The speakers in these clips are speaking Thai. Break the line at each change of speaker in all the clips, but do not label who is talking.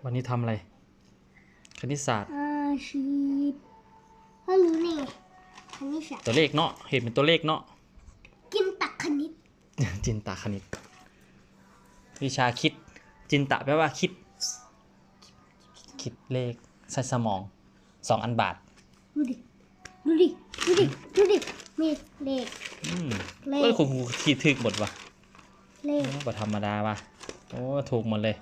วันนี้ทำอะไรคณิตศาสตร์
ชีพพ่อรู้นี่คณิตศาสตร์
ตัวเลขเนาะเห็นเป็นตัวเลขเนาะ
จินตคณิต
จินตคณิตวิชาคิดจินตะแปลว่าคิดเลขใส่สมอง2 อันบาท
ดูดิดูดิดูดิดูดิมีเลขเลข
คุณครูคิดถึกหมดวะ
เลข
บ่ธรรมดาวะโอ้ถูกหมดเลย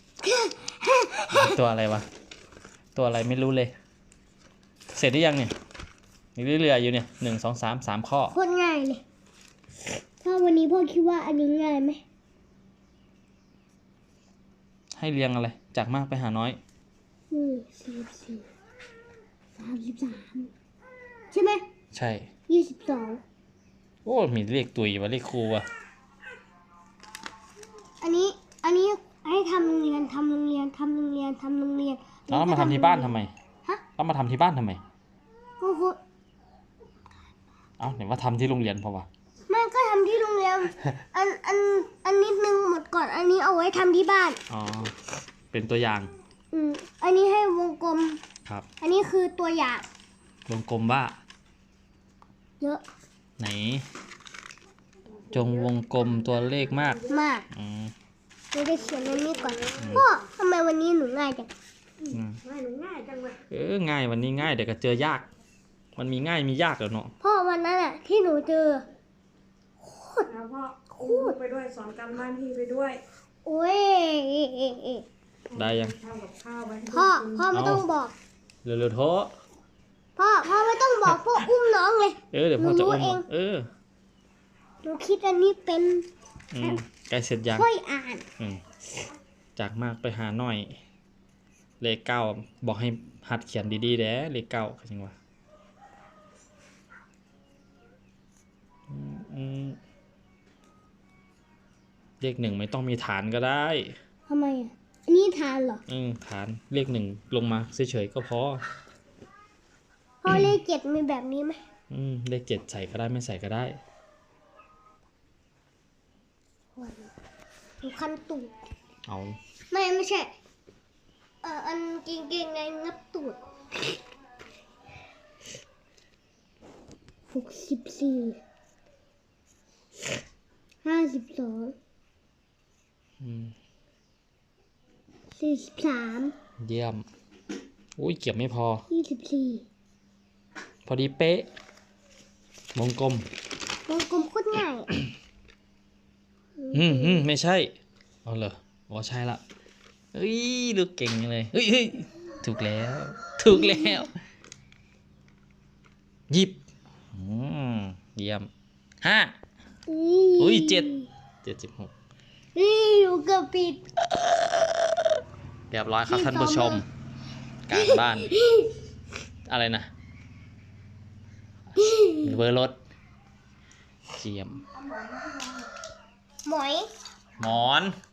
ตัวอะไรวะตัวอะไรไม่รู้เลยเสร็จหรือยังเนี่ยมีเรื่อยๆอยู่เนี่ย1 2 3 3 ข้อ
โคตรง่ายเลยถ้าวันนี้พ่อคิดว่าอันนี้ง่ายไหม
ให้เรียงอะไรจากมากไปหาน้อย
44 33ใช่ไหม
ใช่
22
โอ้มีเลขตุยวะเลขครูวะ
อันนี้ให้ทำโรงเรียน
แล้วมาทำที่บ้านทำไม
ฮะ
แล้วมาทำที่บ้านทำไม
ก็คือ
เอ้าไหนว่าทำที่โรงเรียนเพราะว่า
มันก็ทำที่โรงเรียนอันนิดนึงหมดก่อนอันนี้เอาไว้ทำที่บ้าน
อ๋อเป็นตัวอย่าง
อันนี้ให้วงกลม
ครับ
อันนี้คือตัวอย่าง
วงกลมว่า
เยอะ
ไหนจงวงกลมตัวเลขมาก
เราจะเขียนอันนี้ก่อนพ่อทำไมวันนี้หนูง่ายจังหนูง่ายจังเลย
ง่ายวันนี้ง่ายเดี๋ยวก็เจอยากมันมีง่ายมียากแล้วเนาะ
พ่อวันนั้นอะที่หนูเจอ
โคตรพ่อคูดไปด้วยสอนการบ้านพี่ไปด้วย
โอ้ย
ได้ยัง
ทำกับข้าวไป
พ่อไม่ต้องบอก
เร็วๆโทษ
พ่อไม่ต้องบอกพ่ออุ้มน้องเลย
เดี๋ยวพ่อจะอุ้ม
หนูคิดอันนี้เป็น
ใกล้เสร็จยัง
ค่อยอ่าน
จากมากไปหาหน่อยเลข9บอกให้หัดเขียนดีๆแด้เลข9คือจังวะเลข1ไม่ต้องมีฐานก็ได้
ทำไมอ่ะอันนี้ฐานเหรอ
ฐานเลข1ลงมาเฉยๆก็พอ
พ่อเลข7มีแบบนี้ไหม
เลข7ใส่ก็ได้ไม่ใส่ก็ได้
คันตูด
เอา
ไม่ใช่อันเก่งๆในงับตูด64 52 43
เยี่ยมอุ้ยเก็บไม่พอ
24
พอดีเป๊ะวงกลม
โคตรง่าย
ไม่ใช่เอาเหรออ๋อใช่ละเฮ้ยลูกเก่งเลยเฮ้ยถูกแล้วหยิบเยี่ยม5อุ้ย76
อยู่กับปิด
เรียบร้อยครับท่านผู้ชมการบ้านอะไรนะเบอร์รถเจียม
หมอน